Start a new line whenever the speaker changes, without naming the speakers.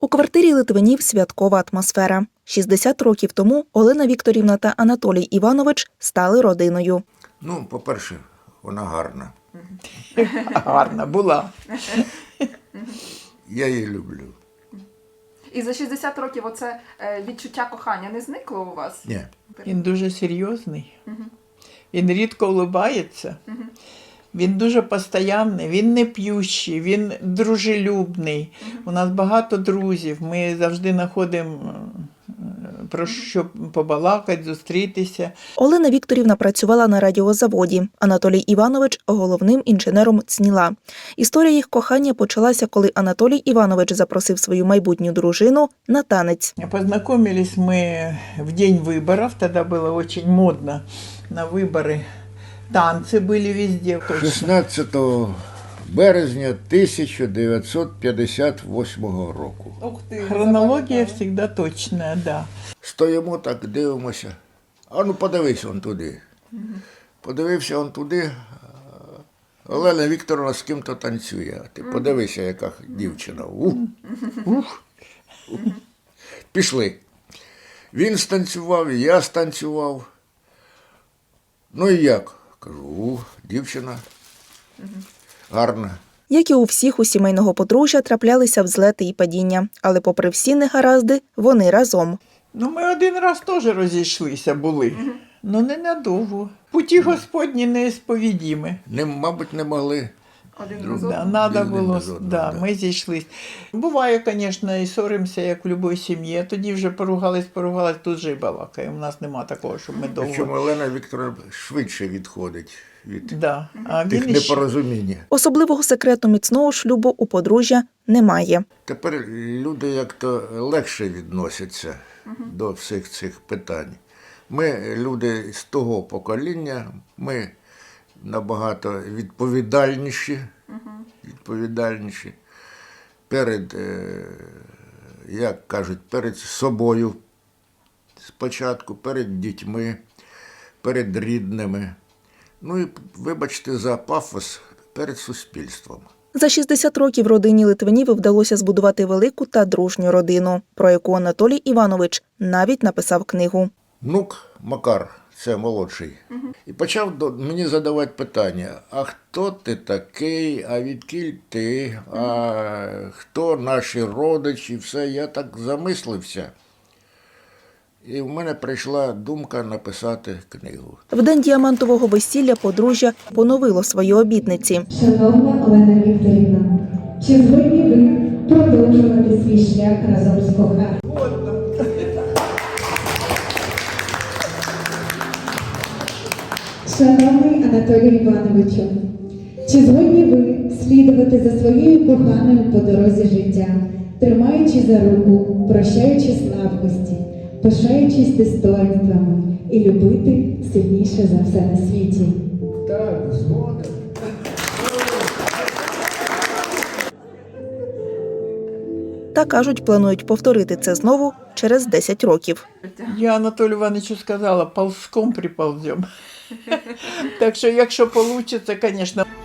У квартирі Литвинів святкова атмосфера. 60 років тому Олена Вікторівна та Анатолій Іванович стали родиною.
Ну, по-перше, вона гарна.
Гарна була.
Я її люблю.
І за 60 років оце відчуття кохання не зникло у вас?
Ні.
Він дуже серйозний. Він рідко улыбається. Він дуже постоянний, він не п'ющий, він дружелюбний. У нас багато друзів. Ми завжди знаходимо про що побалакати, зустрітися.
Олена Вікторівна працювала на радіозаводі. Анатолій Іванович – головним інженером ЦНІЛа. Історія їх кохання почалася, коли Анатолій Іванович запросив свою майбутню дружину на танець.
Познакомились мы в день выборов, тогда было очень модно на выборы. Танцы были везде.
16 березня 1958 року.
Хронология всегда точная, да.
Стоїмо так, дивимося. А ну подивись он туди. Подивився он туди. Олена Вікторовна з ким-то танцює. Ти подивися, яка дівчина. Ух. Пішли. Він станцював, я станцював. Ну і як? Кажу, дівчина гарна.
Як і у всіх у сімейного подружжя, траплялися взлети і падіння. Але попри всі негаразди, вони разом.
Ну, ми один раз теж розійшлися були. Ну, ненадовго. Путі Господні несповідімі.
Мабуть, не могли.
Один
Друг-
разом?
Да, надо
Один
було,
без одного,
да,
да.
ми зійшлись. Буває, звісно, і соримося, як в будь-якій сім'ї. Тоді вже поругались, тут же і балакаємо. У нас нема такого, щоб ми довго.
Причому Олена Вікторовна швидше відходить від
Да. А
тих
він іще...
непорозуміння.
Особливого секрету міцного шлюбу у подружжя немає.
Тепер люди як-то легше відносяться до всіх цих питань. Ми, люди з того покоління, ми набагато відповідальніші перед, як кажуть, перед собою спочатку, перед дітьми, перед рідними. Ну і, вибачте за пафос, перед суспільством.
За 60 років родині Литвинів вдалося збудувати велику та дружню родину, про яку Анатолій Іванович навіть написав книгу.
Внук Макар, це молодший, і почав мені задавати питання, а хто ти такий, а відкіль ти, а хто наші родичі, все. Я так замислився. І в мене прийшла думка написати книгу.
В день діамантового весілля подружжя поновило свої обітниці.
Шановна Олена Вікторівна, чи згодні ви продовжувати свій шлях разом з коханим? Шановний Анатолій Івановичу, чи згодні ви слідувати за своєю коханою по дорозі життя, тримаючи за руку, прощаючи слабкості, пишаючись достоинствами і любити сильніше за все на світі?
Так, згоден.
Та, кажуть, планують повторити це знову через 10 років.
Я Анатолію Івановичу сказала, ползком приползем. Так що, якщо вийде, звісно.